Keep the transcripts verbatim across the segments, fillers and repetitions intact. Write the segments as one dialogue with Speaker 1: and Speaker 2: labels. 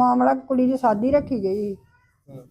Speaker 1: ਮਾਮਲਾ ਕੁੜੀ ਦੀ ਸਾਦੀ ਰੱਖੀ ਗਈ।
Speaker 2: ਹੂੰ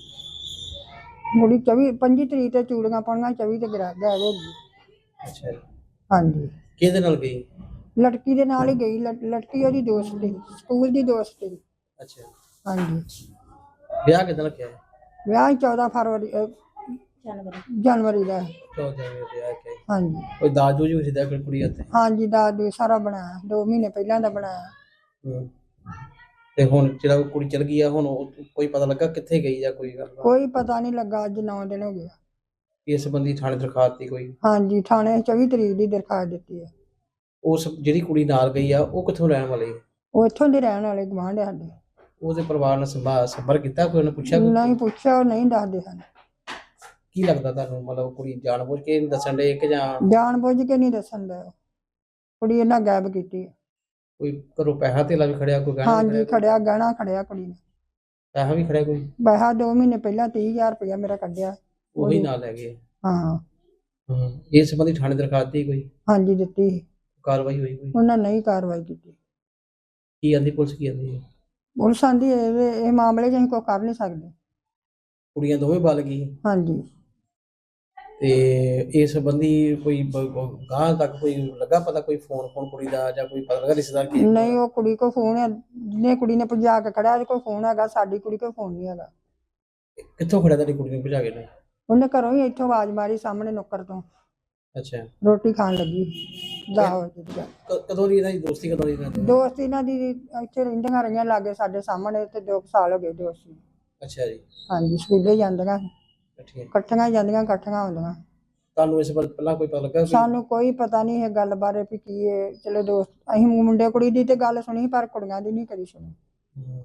Speaker 1: ਕੁੜੀ ਚੌਵੀ ਪੰਜੀ ਤਰੀਕ ਤੇ ਚੂੜੀਆਂ ਪਾਉਣੀਆਂ, ਚੌਵੀ ਤੇ ਗਰਾ ਗਾਇਬ ਹੋ ਗਈ।
Speaker 2: ਅੱਛਾ ਜੀ।
Speaker 1: ਹਾਂਜੀ,
Speaker 2: ਕਿਹਦੇ ਨਾਲ ਗਈ?
Speaker 1: ਲੜਕੀ ਦੇ ਨਾਲ ਹੀ ਗਈ। ਲੜ- ਲੜਕੀ ਉਹਦੀ ਦੋਸਤ ਸੀ, ਸਕੂਲ ਦੀ ਦੋਸਤ ਸੀ।
Speaker 2: ਅੱਛਾ,
Speaker 1: ਹਾਂਜੀ,
Speaker 2: ਵਿਆਹ ਕਿੱਦਾਂ ਰੱਖਿਆ ਹੈ?
Speaker 1: ਵਿਆਹ ਚੌਦਾਂ ਫਰਵਰੀ ਅਹ, ਜਨਵਰੀ ਦਾ।
Speaker 2: ਚੌਦਾਂ ਜਨਵਰੀ ਦਾ ਵਿਆਹ ਰੱਖਿਆ ਹੈ।
Speaker 1: ਹਾਂਜੀ
Speaker 2: ਕੋਈ ਦਾਜ ਦੂਜ ਵੀ ਸਿੱਧਾ ਕੋਈ ਕੁੜੀ ਹੱਥੇ?
Speaker 1: ਹਾਂਜੀ, ਦਾਜ ਦੂਜ ਸਾਰਾ ਬਣਾਇਆ, ਦੋ ਮਹੀਨੇ ਪਹਿਲਾਂ ਦਾ ਬਣਾਇਆ।
Speaker 2: ਹੂੰ ਤੇ ਹੁਣ ਜਿਹੜਾ ਉਹ ਕੁੜੀ ਚਲ ਗਈ ਆ, ਹੁਣ ਉਹ ਕੋਈ ਪਤਾ ਲੱਗਾ ਕਿੱਥੇ ਗਈ ਜਾਂ ਕੋਈ ਗੱਲ?
Speaker 1: ਕੋਈ ਪਤਾ ਨਹੀਂ ਲੱਗਾ, ਅੱਜ ਨੌ ਦਿਨ ਹੋ ਗਏ।
Speaker 2: ਇਸ ਸੰਬੰਧੀ ਥਾਣੇ ਦਰਖਾਸਤ ਦਿੱਤੀ ਕੋਈ?
Speaker 1: ਹਾਂਜੀ, ਥਾਣੇ ਚੌਵੀ ਤਰੀਕ ਦੀ ਦਰਖਾਸਤ ਦਿੱਤੀ ਹੈ।
Speaker 2: ਉਸ ਜਿਹੜੀ ਕੁੜੀ ਨਾਲ ਗਈ ਆ ਉਹ ਕਿੱਥੋਂ ਰਹਿਣ ਵਾਲੀ?
Speaker 1: ਉਹ ਇੱਥੋਂ ਦੇ ਰਹਿਣ ਵਾਲੇ, ਗੁਆਂਢ ਸਾਡੇ।
Speaker 2: ਉਹਦੇ ਪਰਿਵਾਰ ਨਾਲ ਸੰਭਾ ਸੰਪਰਕ ਕੀਤਾ ਕੋਈ? ਉਹਨੇ ਪੁੱਛਿਆ ਕੋਈ?
Speaker 1: ਨਹੀਂ ਪੁੱਛਿਆ, ਉਹ ਨਹੀਂ ਦੱਸਦੇ ਹਨ।
Speaker 2: ਕੀ ਲੱਗਦਾ ਤੁਹਾਨੂੰ, ਮਤਲਬ ਕੁੜੀ ਜਾਣਬੁੱਝ ਕੇ ਨਹੀਂ ਦੱਸਣ ਦੇ ਕਿ ਜਾਂ
Speaker 1: ਜਾਣ ਬੁੱਝ ਕੇ ਨਹੀਂ ਦੱਸਣ ਦਾ? ਕੁੜੀ ਇਹਨਾਂ ਗਾਇਬ ਕੀਤੀ ਹੈ।
Speaker 2: ਕੋਈ ਘਰੋਂ ਪੈਸਾ ਧੇਲਾ ਵੀ ਖੜਿਆ, ਕੋਈ ਗਹਿਣਾ ਵੀ
Speaker 1: ਹਾਂਜੀ,
Speaker 2: ਖੜਿਆ?
Speaker 1: ਖੜਿਆ ਗਹਿਣਾ ਖੜਿਆ ਕੁੜੀ ਨੇ।
Speaker 2: ਪੈਸਾ ਵੀ ਖੜਿਆ ਕੋਈ?
Speaker 1: ਪੈਸਾ ਦੋ ਮਹੀਨੇ ਪਹਿਲਾਂ ਤੀਹ ਹਜ਼ਾਰ ਰੁਪਇਆ ਮੇਰਾ ਕੱਢਿਆ।
Speaker 2: ਉਹੀ ਨਾਲ ਲੈ ਗਏ?
Speaker 1: ਹਾਂ।
Speaker 2: ਹੂੰ ਇਸ ਸੰਬੰਧੀ ਥਾਣੇ ਦਰਖਾਸਤ ਦਿੱਤੀ ਕੋਈ?
Speaker 1: ਹਾਂਜੀ ਦਿੱਤੀ ਸੀ।
Speaker 2: ਕਾਰਵਾਈ ਹੋਈ ਕੋਈ?
Speaker 1: ਉਹਨਾਂ ਨਹੀਂ ਕਾਰਵਾਈ ਕੀਤੀ।
Speaker 2: ਕੀ ਆਂਦੀ ਪੁਲਿਸ, ਕੀ ਆਂਦੀ ਹੈ?
Speaker 1: ਪੁਲਿਸ ਆਂਦੀ ਇਹ ਇਹ ਮਾਮਲੇ 'ਚ ਅਸੀਂ ਕੋਈ ਕਰ ਨਹੀਂ ਸਕਦੇ।
Speaker 2: ਕੁੜੀਆਂ ਦੋਵੇਂ ਬਲ ਗਈ
Speaker 1: ਹਾਂਜੀ,
Speaker 2: ਤੇ ਇਸ ਸੰਬੰਧੀ ਕੋਈ ਗਾਂ ਤੱਕ ਕੋਈ ਲੱਗਾ ਪਤਾ, ਕੋਈ ਫੋਨ ਫੋਨ ਕੁੜੀ ਦਾ ਜਾਂ ਕੋਈ ਪਤਾ ਲੱਗਾ ਰਿਸ਼ਤੇਦਾਰ ਕੀ?
Speaker 1: ਨਹੀਂ, ਉਹ ਕੁੜੀ ਕੋਲ ਫੋਨ ਹੈ, ਜਿਹਨੇ ਕੁੜੀ ਨੇ ਭਜਾ ਕੇ ਖੜਿਆ ਉਹਦੇ ਕੋਲ ਫੋਨ ਹੈਗਾ, ਸਾਡੀ ਕੁੜੀ ਕੋਲ ਫੋਨ ਨਹੀਂ ਹੈਗਾ।
Speaker 2: ਕਿੱਥੋਂ ਖੜਿਆ ਤੁਹਾਡੀ ਕੁੜੀ ਨੂੰ ਭਜਾ ਕੇ ਨੇ?
Speaker 1: ਉਹਨੇ ਘਰੋਂ ਹੀ ਇੱਥੋਂ ਆਵਾਜ਼ ਮਾਰੀ, ਸਾਹਮਣੇ ਨੁੱਕਰ ਤੋਂ।
Speaker 2: ਅੱਛਾ,
Speaker 1: ਰੋਟੀ ਖਾਣ ਲੱਗੀ ਦਸ ਵਜੇ ਦੀ ਗੱਲ।
Speaker 2: ਕ- ਕਦੋਂ ਦੀ ਇਹਨਾਂ ਦੀ ਦੋਸਤੀ, ਕਦੋਂ ਦੀ ਇਹਨਾਂ ਦੀ?
Speaker 1: ਦੋਸਤ ਇਹਨਾਂ ਦੀ ਇੱਥੇ ਰਹਿੰਦੀਆਂ ਰਹੀਆਂ ਲਾਗੇ ਸਾਡੇ ਸਾਹਮਣੇ, ਤੇ ਦੋ ਕੁ ਸਾਲ ਹੋ ਗਏ ਦੋਸਤੀ।
Speaker 2: ਅੱਛਾ ਜੀ,
Speaker 1: ਹਾਂਜੀ, ਸਕੂਲੇ ਜਾਂਦੀਆਂ,
Speaker 2: ਠੀਕ।
Speaker 1: ਇਕੱਠੀਆਂ ਜਾਂਦੀਆਂ, ਇਕੱਠੀਆਂ ਆਉਂਦੀਆਂ।
Speaker 2: ਤੁਹਾਨੂੰ ਇਸ ਬਾਰੇ ਪਹਿਲਾਂ ਕੋਈ ਪਤਾ ਲੱਗਾ ਕੋਈ?
Speaker 1: ਸਾਨੂੰ ਕੋਈ ਪਤਾ ਨਹੀਂ ਇਹ ਗੱਲ ਬਾਰੇ ਵੀ ਕੀ ਹੈ। ਚਲੋ ਦੋਸਤ, ਅਸੀਂ ਮੁੰਡੇ ਕੁੜੀ ਦੀ ਤੇ ਗੱਲ ਸੁਣੀ, ਪਰ ਕੁੜੀਆਂ ਦੀ ਨਹੀਂ ਕਦੀ ਸੁਣੀ।
Speaker 2: ਹੂੰ।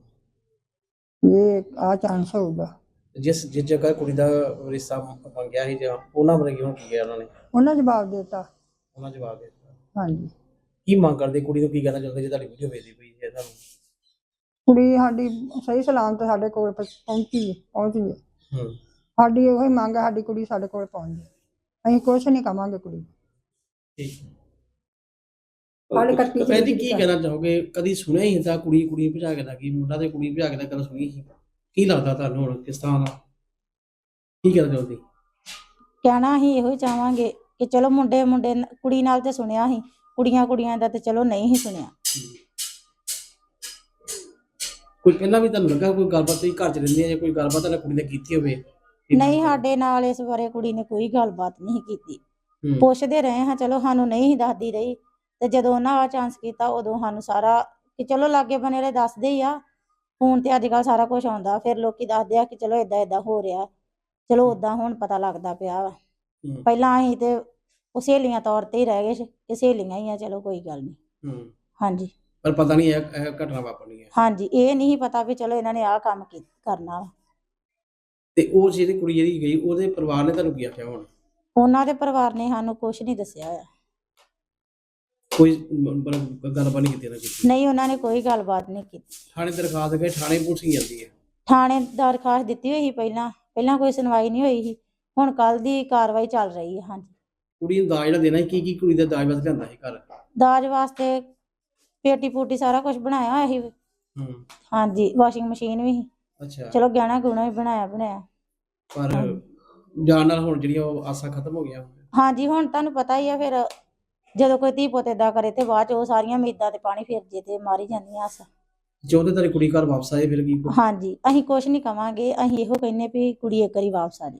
Speaker 1: ਇਹ ਆ ਚਾਂਸ ਹੋਊਗਾ।
Speaker 2: ਜਿਸ ਜਿਸ ਜਗ੍ਹਾ ਕੁੜੀ ਦਾ ਰਿਸ਼ਤਾ ਮੰਗਿਆ ਸੀ ਜਾਂ ਉਹਨਾਂ ਬਾਰੇ ਕਿਉਂ ਕੀ ਗਿਆ ਉਹਨਾਂ ਨੇ?
Speaker 1: ਉਹਨਾਂ ਜਵਾਬ ਦੇ ਦਿੱਤਾ।
Speaker 2: ਉਹਨਾਂ ਜਵਾਬ ਦੇ ਦਿੱਤਾ?
Speaker 1: ਹਾਂਜੀ,
Speaker 2: ਕੀ ਮੰਗ ਕਰਦੇ, ਕੁੜੀ ਨੂੰ ਕੀ ਕਹਿਣਾ ਚਾਹੁੰਦੇ ਜੇ ਤੁਹਾਡੀ ਵੀਡੀਓ ਵੇਖਦੀ ਪਈ ਹੈ ਤੁਹਾਨੂੰ?
Speaker 1: ਕੁੜੀ ਸਾਡੀ ਸਹੀ ਸਲਾਮਤ ਸਾਡੇ ਕੋਲ ਪਹੁੰ- ਪਹੁੰਚੀ ਹੈ ਪਹੁੰਚੀ ਹੈ।
Speaker 2: ਹੂੰ
Speaker 1: ਸਾਡੀ ਉਹੀ ਮੰਗ ਹੈ, ਸਾਡੀ ਕੁੜੀ ਸਾਡੇ ਕੋਲ ਪਹੁੰਚ ਜਾਏ। ਅਸੀਂ ਕੁਛ ਨਹੀਂ ਕਵਾਂਗੇ ਕੁੜੀ ਨੂੰ।
Speaker 2: ਠੀਕ।
Speaker 1: ਹਾਲੇ ਇਕੱਤੀ
Speaker 2: ਭੈਣ ਜੀ
Speaker 1: ਤਰੀਕ
Speaker 2: ਕੀ
Speaker 1: ਦੀ
Speaker 2: ਕਹਿਣਾ ਚਾਹੋਗੇ? ਕਦੀ ਸੁਣਿਆ ਹੀ ਤਾਂ ਕੁੜੀ ਕੁੜੀ ਭਜਾ ਕੇ ਦਾ ਕੀ, ਮੁੰਡਾ ਤੇ ਕੁੜੀ ਭਜਾ ਕੇ ਦਾ ਕਦੇ ਸੁਣੀ ਸੀ? ਕੀ ਲੱਗਦਾ ਤੁਹਾਨੂੰ ਹੁਣ ਕਿਸ ਤਰ੍ਹਾਂ ਦਾ, ਕੀ ਕਹਿਣਾ ਚਾਹੁੰਦੀ?
Speaker 3: ਕਹਿਣਾ ਅਸੀਂ ਇਹੋ ਹੀ ਚਾਹਾਂਗੇ ਕਿ ਚਲੋ ਮੁੰਡੇ ਮੁੰਡੇ ਨ- ਕੁੜੀ ਨਾਲ ਤੇ ਸੁਣਿਆ ਸੀ, ਕੁੜੀਆਂ ਕੁੜੀਆਂ ਦਾ ਤੇ ਚਲੋ ਨਹੀਂ ਹੀ ਸੁਣਿਆ।
Speaker 2: ਕੋਈ ਪਹਿਲਾਂ ਵੀ ਤੁਹਾਨੂੰ ਲੱਗਾ ਕੋਈ ਗੱਲਬਾਤ, ਤੁਸੀਂ ਘਰ ਚ ਰਹਿੰਦੀ ਹੈ ਜਾਂ ਕੋਈ ਗੱਲਬਾਤ ਤੁਹਾਡੀ ਕੁੜੀ ਨੇ ਕੀਤੀ ਹੋਵੇ?
Speaker 3: ਨਹੀਂ, ਸਾਡੇ ਨਾਲ ਇਸ ਬਾਰੇ ਕੁੜੀ ਨੇ ਕੋਈ ਗੱਲਬਾਤ ਨਹੀਂ ਕੀਤੀ।
Speaker 2: ਹੂੰ।
Speaker 3: ਪੁੱਛਦੇ ਰਹੇ ਹਾਂ, ਚਲੋ ਸਾਨੂੰ ਨਹੀਂ ਹੀ ਦੱਸਦੀ ਰਹੀ, ਤੇ ਜਦੋਂ ਉਹਨਾਂ ਆ ਚਾਂਸ ਕੀਤਾ ਉਦੋਂ ਸਾਨੂੰ ਸਾਰਾ ਕਿ ਚਲੋ ਲਾਗੇ ਬਨੇ ਵਾਲੇ ਦੱਸਦੇ ਹੀ ਆ। ਫੋਨ ਤੇ ਅੱਜ ਕੱਲ੍ਹ ਸਾਰਾ ਕੁਝ ਆਉਂਦਾ, ਫਿਰ ਲੋਕੀ ਦੱਸਦੇ ਆ ਕਿ ਚਲੋ ਏਦਾਂ ਏਦਾਂ ਹੋ ਰਿਹਾ। ਚਲੋ ਓਦਾਂ ਹੁਣ ਪਤਾ ਲੱਗਦਾ ਪਿਆ ਵਾ।
Speaker 2: ਹੂੰ।
Speaker 3: ਪਹਿਲਾਂ ਅਸੀਂ ਤੇ ਉਹ ਸਹੇਲੀਆਂ ਤੌਰ ਤੇ ਹੀ ਰਹਿ ਗਏ ਸੀ ਕਿ ਸਹੇਲੀਆਂ ਹੀ ਆ, ਚਲੋ ਕੋਈ ਗੱਲ ਨਹੀਂ।
Speaker 2: ਹੂੰ।
Speaker 3: ਹਾਂਜੀ
Speaker 2: ਪਰ ਪਤਾ ਨਹੀਂ ਇਹ ਇਹ ਘਟਨਾ ਵਾਪਰਨੀ ਹੈ।
Speaker 3: ਹਾਂਜੀ, ਇਹ ਨਹੀਂ ਪਤਾ ਵੀ ਚਲੋ ਇਹਨਾਂ ਨੇ ਆਹ ਕੰਮ ਕੀ ਕਰਨਾ ਵਾ।
Speaker 2: ਤੇ ਉਹ ਜਿਹੜੀ ਕੁੜੀ ਜਿਹੜੀ ਗਈ ਉਹਦੇ ਪਰਿਵਾਰ ਨੇ ਤੁਹਾਨੂੰ ਕੀ ਆਖਿਆ ਹੁਣ?
Speaker 3: ਉਹਨਾਂ ਦੇ ਪਰਿਵਾਰ ਨੇ ਸਾਨੂੰ ਕੁਝ ਨਹੀਂ ਦੱਸਿਆ ਹੋਇਆ।
Speaker 2: ਕੋਈ ਮਤਲਬ ਗੱਲਬਾਤ ਨਹੀਂ ਕੀਤੀ ਨਾ ਕੀਤੀ?
Speaker 3: ਨਹੀਂ, ਉਹਨਾਂ ਨੇ ਕੋਈ ਗੱਲਬਾਤ ਨਹੀਂ ਕੀਤੀ।
Speaker 2: ਥਾਣੇ ਦਰਖਾਸਤ ਗਏ, ਥਾਣੇ ਪੁਲਿਸ ਕੀ ਜਾਂਦੀ ਹੈ?
Speaker 3: ਥਾਣੇ ਦਰਖਾਸਤ ਦਿੱਤੀ ਹੋਈ ਸੀ ਪਹਿਲਾਂ, ਪਹਿਲਾਂ ਕੋਈ ਸੁਣਵਾਈ ਨਹੀਂ ਹੋਈ ਸੀ। ਹੁਣ ਕੱਲ ਦੀ ਕਾਰਵਾਈ ਚੱਲ ਰਹੀ ਹੈ। ਹਾਂਜੀ,
Speaker 2: ਕੁੜੀ ਨੂੰ ਦਾਜ ਜਿਹੜਾ ਦੇਣਾ ਸੀ, ਕੀ ਕੀ ਕੁੜੀ ਦਾ ਦਾਜ ਵਾਸਤੇ ਲਿਆਂਦਾ ਸੀ ਘਰ?
Speaker 3: ਦਾਜ ਵਾਸਤੇ ਪੇਟੀ ਪੂਟੀ ਸਾਰਾ ਕੁਝ ਬਣਾਇਆ ਹੋਇਆ ਸੀ।
Speaker 2: ਹੂੰ।
Speaker 3: ਹਾਂਜੀ, ਵਾਸ਼ਿੰਗ ਮਸ਼ੀਨ ਵੀ ਸੀ,
Speaker 2: ਅੱਛਾ।
Speaker 3: ਚਲੋ ਗਹਿਣਾ ਗੁਣਾ ਵੀ ਬਣਾਇਆ ਬਣਾਇਆ।
Speaker 2: ਪਰ ਜਾਣ ਨਾਲ ਹੁਣ ਜਿਹੜੀਆਂ ਉਹ ਆਸਾਂ ਖਤਮ ਹੋ ਗਈਆਂ।
Speaker 3: ਹਾਂਜੀ, ਹੁਣ ਤੁਹਾਨੂੰ ਪਤਾ ਹੀ ਆ, ਫਿਰ ਜਦੋਂ ਕੋਈ ਧੀ ਪੁੱਤ ਏਦਾਂ ਕਰੇ ਤੇ ਬਾਅਦ ਚ ਉਹ ਸਾਰੀਆਂ ਉਮੀਦਾਂ ਤੇ ਪਾਣੀ ਫਿਰ ਜੇ ਤੇ ਮਾਰੀ ਜਾਂਦੀਆਂ ਆਸਾਂ।
Speaker 2: ਚਾਹੁੰਦੇ ਤੇਰੀ ਕੁੜੀ ਘਰ ਵਾਪਸ ਆਏ, ਫਿਰ ਕੀ?
Speaker 3: ਹਾਂਜੀ, ਅਸੀਂ ਕੁਛ ਨਹੀਂ ਕਵਾਂਗੇ, ਅਸੀਂ ਇਹੋ ਕਹਿੰਨੇ ਵੀ ਕੁੜੀ ਇੱਕ ਵਾਰੀ ਵਾਪਸ ਆ ਜਾਏ।